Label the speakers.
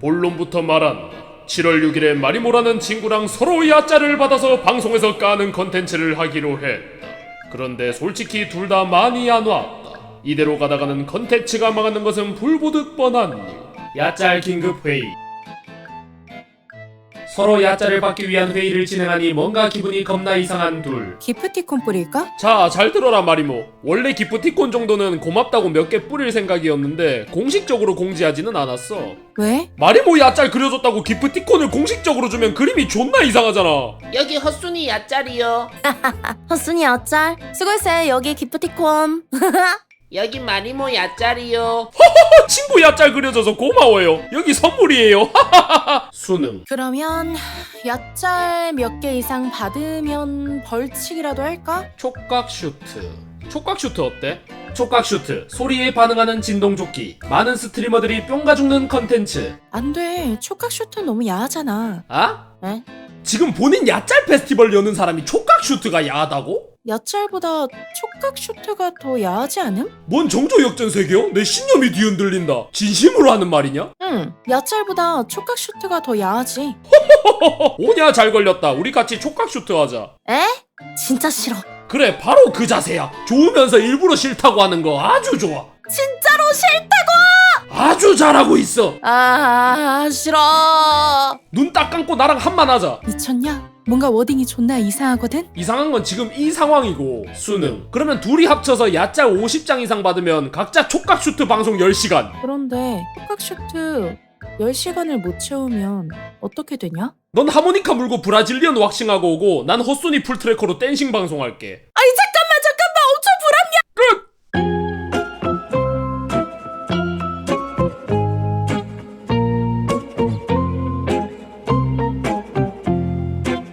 Speaker 1: 본론부터 말한다. 7월 6일에 마리모라는 친구랑 서로 야짜를 받아서 방송에서 까는 컨텐츠를 하기로 했다. 그런데 솔직히 둘 다 많이 안 왔다. 이대로 가다가는 컨텐츠가 망하는 것은 불보듯 뻔한 일. 야짤 긴급회의. 서로 야짜를 받기 위한 회의를 진행하니 뭔가 기분이 겁나 이상한 둘.
Speaker 2: 기프티콘 뿌릴까?
Speaker 1: 자, 잘 들어라 마리모. 원래 기프티콘 정도는 고맙다고 몇 개 뿌릴 생각이었는데 공식적으로 공지하지는 않았어.
Speaker 2: 왜?
Speaker 1: 마리모 야짤 그려줬다고 기프티콘을 공식적으로 주면 그림이 존나 이상하잖아.
Speaker 3: 여기 헛순이 야짤이요.
Speaker 2: 헛순이 어쩔? 수고했어요. 여기 기프티콘.
Speaker 3: 여기 마리모 야짤이요.
Speaker 1: 친구 야짤 그려줘서 고마워요. 여기 선물이에요. 수능.
Speaker 2: 그러면 야짤 몇 개 이상 받으면 벌칙이라도 할까?
Speaker 1: 촉각 슈트. 촉각 슈트 어때? 촉각 슈트. 소리에 반응하는 진동조끼. 많은 스트리머들이 뿅가 죽는 컨텐츠.
Speaker 2: 안 돼. 촉각 슈트 너무 야하잖아.
Speaker 1: 아?
Speaker 2: 에?
Speaker 1: 지금 본인 야짤 페스티벌 여는 사람이 촉각 슈트가 야하다고?
Speaker 2: 야짤보다 촉각 슈트가 더 야하지 않음?
Speaker 1: 뭔 정조 역전세계요? 내 신념이 뒤흔들린다. 진심으로 하는 말이냐?
Speaker 2: 응. 야짤보다 촉각 슈트가 더 야하지.
Speaker 1: 오냐 잘 걸렸다. 우리 같이 촉각 슈트 하자.
Speaker 2: 에? 진짜 싫어.
Speaker 1: 그래 바로 그 자세야. 좋으면서 일부러 싫다고 하는 거 아주 좋아.
Speaker 2: 진짜로 싫다고!
Speaker 1: 아주 잘하고 있어.
Speaker 2: 싫어.
Speaker 1: 눈 딱 감고 나랑 한만 하자.
Speaker 2: 미쳤냐? 뭔가 워딩이 존나 이상하거든?
Speaker 1: 이상한 건 지금 이 상황이고 수능. 그러면 둘이 합쳐서 야짤 50장 이상 받으면 각자 촉각 슈트 방송 10시간.
Speaker 2: 그런데 촉각 슈트 10시간을 못 채우면 어떻게 되냐?
Speaker 1: 넌 하모니카 물고 브라질리언 왁싱하고 오고 난 헛소니 풀트래커로 댄싱 방송할게.
Speaker 2: 아이